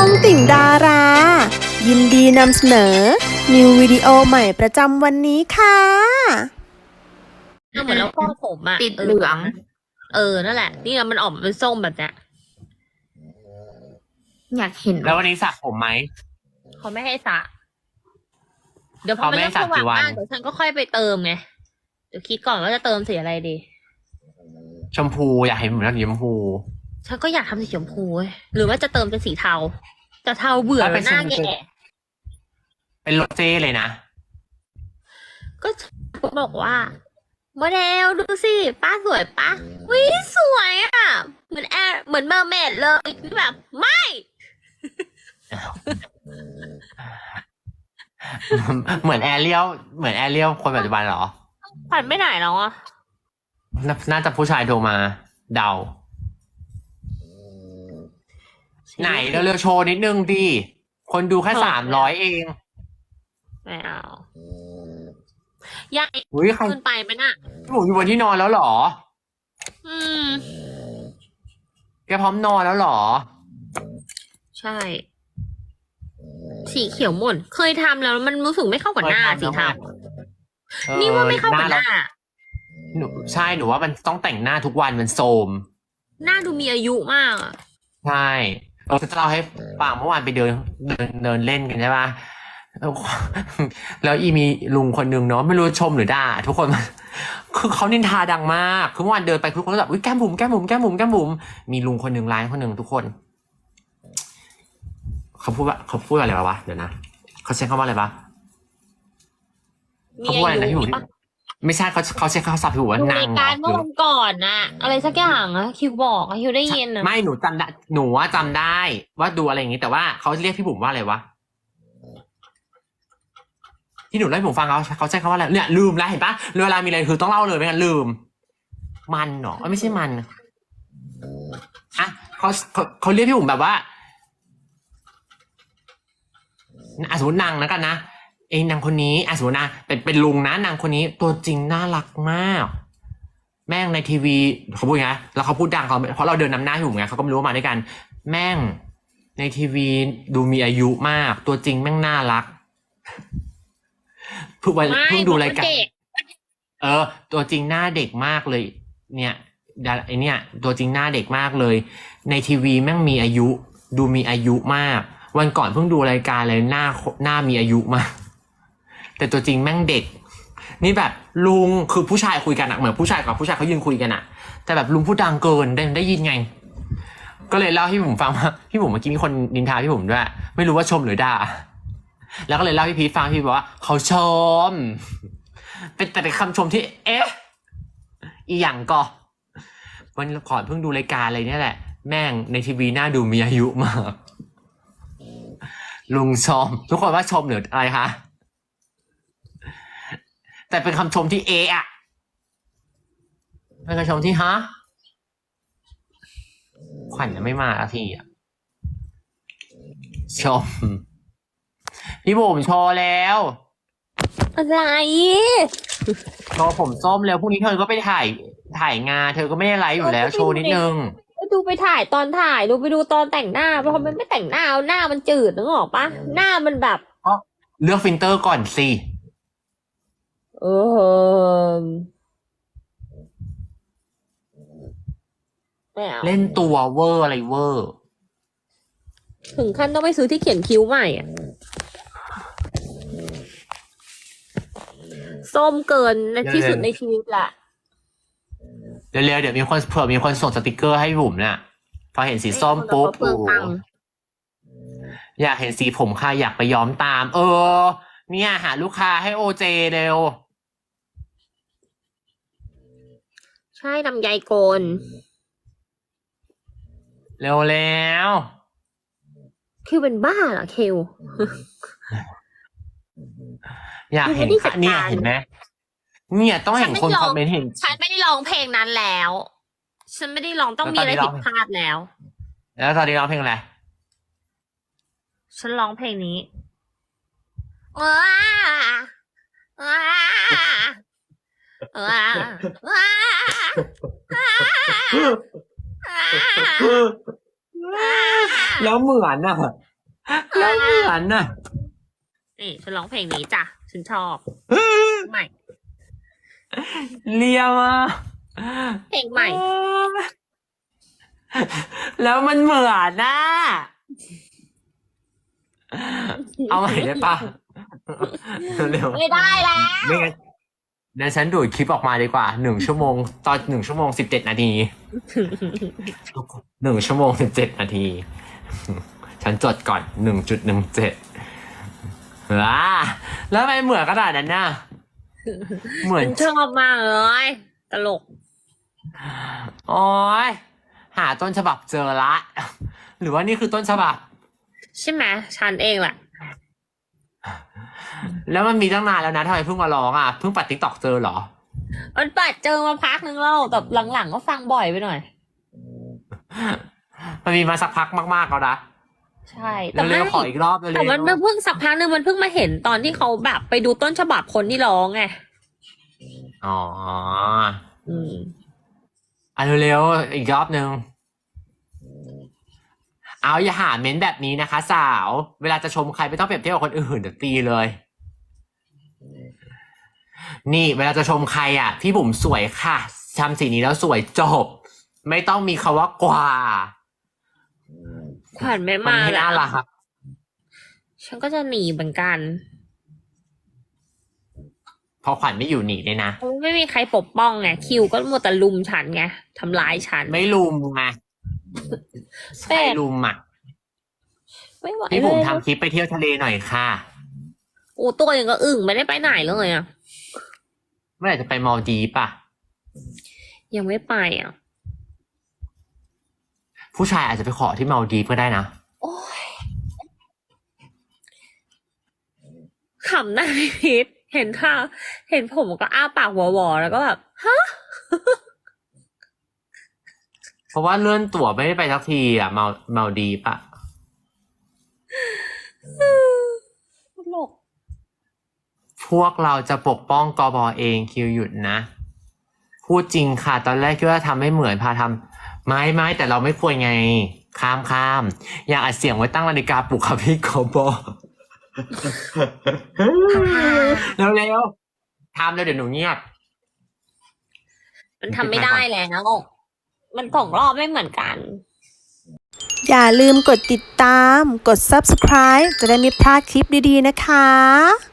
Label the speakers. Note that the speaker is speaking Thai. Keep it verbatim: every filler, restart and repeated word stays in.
Speaker 1: องติ่งดารา ยินดีนำเสนอ นิววิดีโอใหม่ประจำวันนี้ค่ะ
Speaker 2: เหมือนเราฟอกผมอะ
Speaker 3: ติดเหลือง
Speaker 2: เออนั่นแหละ นี่มันออกมาเป็นส้มแบบเนี้ย
Speaker 3: อยากเห็น
Speaker 4: แล้ววันนี้สระผมไหม
Speaker 2: เขาไม่ให้สระเดี๋ยวพอ
Speaker 4: เขา
Speaker 2: มัน
Speaker 4: ไม่ให้
Speaker 2: เริ่ม
Speaker 4: สระ
Speaker 2: สว่าง
Speaker 4: กี่วัน
Speaker 2: มากเดี๋ยวฉันก็ค่อยไปเติมไงเดี๋ยวคิดก่อนว่าจะเติมสีอะไรดี
Speaker 4: ชมพูอยากเห็นผมแล้วสีชมพู
Speaker 2: ฉันก็อยากทำสีชมพูเว้ยหรือว่าจะเติมเป็นสีเทาแต่เทาเบื่อ
Speaker 4: ถ้าเป็น
Speaker 2: หน้า
Speaker 4: ชมพู
Speaker 2: แก่
Speaker 4: เป็นโรเจ้เลยนะ
Speaker 2: ก็บอกว่าโมเดลดูสิป้าสวยป้าวิสวยอ่ะเหมือนแอร์เหมือนเมอร์เมดเลยแบบไม่
Speaker 4: เหมือนแอเรียลเหมือนแอเรียลคนปัจจุบันเหรอ
Speaker 2: ผ่านไม่ไหนแล้วอ่ะ
Speaker 4: นาน่าจะผู้ชายโทรมา เดา ไหนเร็วๆโชว์นิดนึงดิ คนดูแค่สามร้อยเอง
Speaker 2: ไม่เอายัง
Speaker 4: อุ้ยใคร
Speaker 2: ขึ้นไปไหมน่ะ
Speaker 4: พี่หมูอยู่บนที่นอนแล้วเหรอ
Speaker 2: อืม
Speaker 4: แกพร้อมนอนแล้วเหรอ
Speaker 2: ใช่ สีเขียวหม่นเคยทำแล้วมันรู้สึกไม่เข้ากับหน้าสีเทา
Speaker 4: เออ
Speaker 2: นี่ว่าไม่เข้ากับห
Speaker 4: เรา
Speaker 2: น้า
Speaker 4: หนูใช่หนูว่ามันต้องแต่งหน้าทุกวันมันโทรม
Speaker 2: หน้าดูมีอายุมากอะ
Speaker 4: ใช่เออจะเล่าให้ฟังเมื่อวานไปเดินเดินเดินเล่นกันใช่ปะแล้วแล้วอีมีลุงคนนึงเนาะไม่รู้ชมหรือด่าทุกคนมันคือเขานินทาดังมากคือเมื่อวานเดินไปทุกคนก็แบบอุ้ยแก้มบุ๋มแก้มบุ๋มแก้มบุ๋มแก้มบุ๋มมีลุงคนหนึ่งร้ายคนหนึ่งทุกคนเขาพูดว่าเขาพูดอะไรวะเดี๋ยวนะเขาใช้คำว่าอะไรวะ
Speaker 2: มี
Speaker 4: เขาพูด
Speaker 2: อา
Speaker 4: อะไรนะพี่
Speaker 2: ยุ
Speaker 4: บุ๋มไม่ใช่เขาเขาใช้คำศัพท์พี่บุ๋มว่า
Speaker 2: ดู
Speaker 4: นาง
Speaker 2: ราย
Speaker 4: เหร
Speaker 2: การ
Speaker 4: อ
Speaker 2: เมื่อวันก่อนน่ะ อะไรสักอย่างอะคิวบอกอะคิวได้ยินอะ
Speaker 4: ไม่หนูจำได้หนูว่าจำได้ว่าดูอะไรอย่างงี้แต่ว่าเขาเรียกพี่บุ๋มว่าอะไรวะที่หนูเล่าให้ผมฟังเขาเขาใช้คำว่าอะไรเนี่ยลืมแล้วเห็นปะเวลามีอะไรคือต้องเล่าเลยไม่งั้นลืม มันเหรอเอ้ยไม่ใช่มันอ่ะเขาเขาเขาเรียกพี่บุ๋มแบบว่าอ่ะสมมตินางนะกันนะเองนางคนนี้อ่ะสมมตินะเป็นเป็นลุงนะนางคนนี้ตัวจริงน่ารักมาก แม่งในทีวีเขาพูดไงแล้วเขาพูดดังเขาเพราะเราเดินนำหน้าอยู่ไงเขาก็ไม่รู้ว่ามาด้วยกัน แม่งในทีวีดูมีอายุมาก ตัวจริงแม่งน่ารักเพิ่งวัน
Speaker 2: ไม่
Speaker 4: เพิ่งดูรายการ
Speaker 2: เด็ก
Speaker 4: เออ ตัวจริงหน้าเด็กมากเลย เนี่ยดาไอเนี่ย ตัวจริงหน้าเด็กมากเลย ในทีวีแม่งมีอายุ ดูมีอายุมาก วันก่อนเพิ่งดูรายการเลยหน้าหน้ามีอายุมาก แต่ตัวจริงแม่งเด็ก นี่แบบลุงคือผู้ชายคุยกันอะเหมือนผู้ชายกับผู้ชายเขายืนคุยกันอะแต่แบบลุงพูดดังเกินได้ได้ยินไง ก็เลยเล่าให้พี่ผมฟังว่าพี่ผมเมื่อกี้มีคนนินทาพี่ผมด้วย ไม่รู้ว่าชมหรือด่า แล้วก็เลยเล่าให้พี่ฟังพี่บอกว่าเขาชม เป็นแต่เป็นคำชมที่ เอ๊ะ อีหยังก็วันก่อนเพิ่งดูรายการอะไรเนี่ยแหละ แม่งในทีวีหน้าดูมีอายุมาก ลุงชม ทุกคนว่าชมหรืออะไรคะ แต่เป็นคำชมที่เอะอะเป็นคำชมที่ฮะขวัญยังไม่มาอาทีอ่ะชม พี่บุ๋มโชว์แล้ว
Speaker 2: อะไร
Speaker 4: โชว์ผมส้มแล้วพรุ่งนี้เธอก็ไปถ่ายถ่ายงานเธอก็ไม่ได้ไลฟ์อยู่แล้ว โชว์นิดนึง
Speaker 2: ก็ดูไปถ่ายตอนถ่ายดูไปดูตอนแต่งหน้าเพราะมันไม่แต่งหน้าหน้ามันจืดนึกออกปะหน้ามันแบบ
Speaker 4: เลือกฟิลเตอร์ก่อนสิ
Speaker 2: เออไม่เอา
Speaker 4: เล่นตัวเวอร์อะไรเวอร์
Speaker 2: ถึงขั้นต้องไปซื้อที่เขียนคิ้วใหม่อ่ะส้มเกินที่สุดในชีวิตละ
Speaker 4: เร็วๆเดี๋ยวมีคนเผื่อมีคนส่งสติกเกอร์ให้บุ๋มน่ะพอเห็นสีส้มปุ๊บ
Speaker 2: เปลืองตังค์
Speaker 4: อยากเห็นสีผมค่ะอยากไปย้อมตาม เออ เนี่ยหาลูกค้าให้โอเจเร็ว
Speaker 2: ใช่ลำไยโกน
Speaker 4: เร็วแล้ว
Speaker 2: คิวเป็นบ้าเหรอคิว
Speaker 4: อยากเห็น
Speaker 2: ไม่ได้จั
Speaker 4: ค่ะ
Speaker 2: ดการ
Speaker 4: เนี่ยเห็นไหมเนี่ยต้องเห็นคนคอมเมนต์เห็น
Speaker 2: ฉันไม่ได้ร้องเพลงนั้นแล้ว ฉันไม่ได้ร้องต้องมีอะไรผิดพลาดแล้ว
Speaker 4: แล้วตอนนี้ร้องเพลงอะไร
Speaker 2: ฉันร้องเพลงนี้ว้าว้าว้าว้า
Speaker 4: แล้วเหมือนอ่ะแล้วเหมือนน่ะ
Speaker 2: นี่ฉันร้องเพลงนี้จ้ะฉันชอบใหม่
Speaker 4: เลียมา
Speaker 2: เพลงใหม่
Speaker 4: แล้วมันเหมือนน่ะเอาใหม่ได้ปะเร็ว
Speaker 2: ไม่ได้แล้ว
Speaker 4: ๆไม่งั้นเดี๋ยวฉันดูดคลิปออกมาดีกว่าหนึ่งชั่วโมงตอนหนึ่งชั่วโมงสิบเจ็ดนาทีหนึ่งชั่วโมงสิบเจ็ดนาที ฉันจดก่อนหนึ่งจุดหนึ่งเจ็ดว้าแล้วทำไมเหมือนขนาดนั้นน่ะเหมือน
Speaker 2: ฉันชอบมากเลยตลก
Speaker 4: โอ้ยหาต้นฉบับเจอละ หรือว่านี่คือต้นฉบับ
Speaker 2: ใช่ไหมฉันเองแหละ
Speaker 4: แล้วมันมีตั้งนานแล้วนะทำไมเพิ่งมาร้องอ่ะเพิ่งปัดติ๊กตอกเจอเหรอ
Speaker 2: มันปัดเจอมาพักนึงแล้วแต่หลังๆก็ฟังบ่อยไปหน่อย
Speaker 4: มันมีมาสักพักมากๆแล้วนะ
Speaker 2: ใช่แต่
Speaker 4: เร็
Speaker 2: ไม่
Speaker 4: วๆขออีกรอบเลย
Speaker 2: แต่มันเพิ่งสักพักนึงมันเพิ่งมาเห็นตอนที่เขาแบบไปดูต้นฉบับคนที่ร้องไง
Speaker 4: อ๋อ
Speaker 2: อืม
Speaker 4: อ่ะเร็วๆอีกรอบนึงเอาอย่าหาเม้นแบบนี้นะคะ สาว เวลาจะชมใครไม่ต้องเปรียบเทียบกับคนอื่นเดี๋ยวตีเลย นี่เวลาจะชมใครอ่ะ พี่บุ๋มสวยค่ะทำสีนี้แล้วสวยจบ ไม่ต้องมีคำว่ากว่า
Speaker 2: ขวัญไม่
Speaker 4: มัน
Speaker 2: มา
Speaker 4: ไม่
Speaker 2: แล้
Speaker 4: น่าว รัก
Speaker 2: ฉันก็จะหนีเหมือนกัน
Speaker 4: พอขวัญไม่อยู่หนีเลยนะ
Speaker 2: เพราะไม่มีใครปกป้องไงคิวก็มัวแต่ลุมฉันไงทำร้ายฉัน
Speaker 4: ไม่ลุมไง
Speaker 2: แต่
Speaker 4: ใครลุมอ่ะ
Speaker 2: ไม่ไหว
Speaker 4: พี่
Speaker 2: เล
Speaker 4: บุ๋ม
Speaker 2: ย
Speaker 4: ทำคลิปไปเที่ยวทะเลหน่อยค่ะ
Speaker 2: โอ้ตัวยังก็อึ่งไม่ได้ไปไหนเลยอ่ะ
Speaker 4: เมื่อไหร่จะไปมอลดีฟอ่ะ
Speaker 2: ยังไม่ไปอ่ะ
Speaker 4: ผู้ชายอาจจะไปขอที่มอลดีฟก็ได้นะ
Speaker 2: โอ้ยขำหน้าพี่พีทเห็นท่าเห็นผมก็อ้าปากวอๆแล้วก็แบบฮะ
Speaker 4: เพราะว่าเลื่อนตั๋วไม่ได้ไปสักทีอ่ะมอลมอลดีฟอ่ะ
Speaker 2: ตลก
Speaker 4: พวกเราจะปกป้องกบเองคิวหยุดนะ พูดจริงค่ะ ตอนแรกคิดว่าทำไม่เหมือนพาทำไม่ไม่แต่เราไม่ควรไง ข้ามข้ามอย่าอัดเสียงไว้ตั้งนาฬิกาปลุกค่ะพี่กบ เร็วเร็วๆทำแล้วเดี๋ยวหนูเงียบ
Speaker 2: มันทำไม่ได้แล้วมันสองรอบไม่เหมือนกัน
Speaker 1: อย่าลืมกดติดตาม กด ซับสไครบ์ จะได้ไม่พลาดคลิปดีๆนะคะ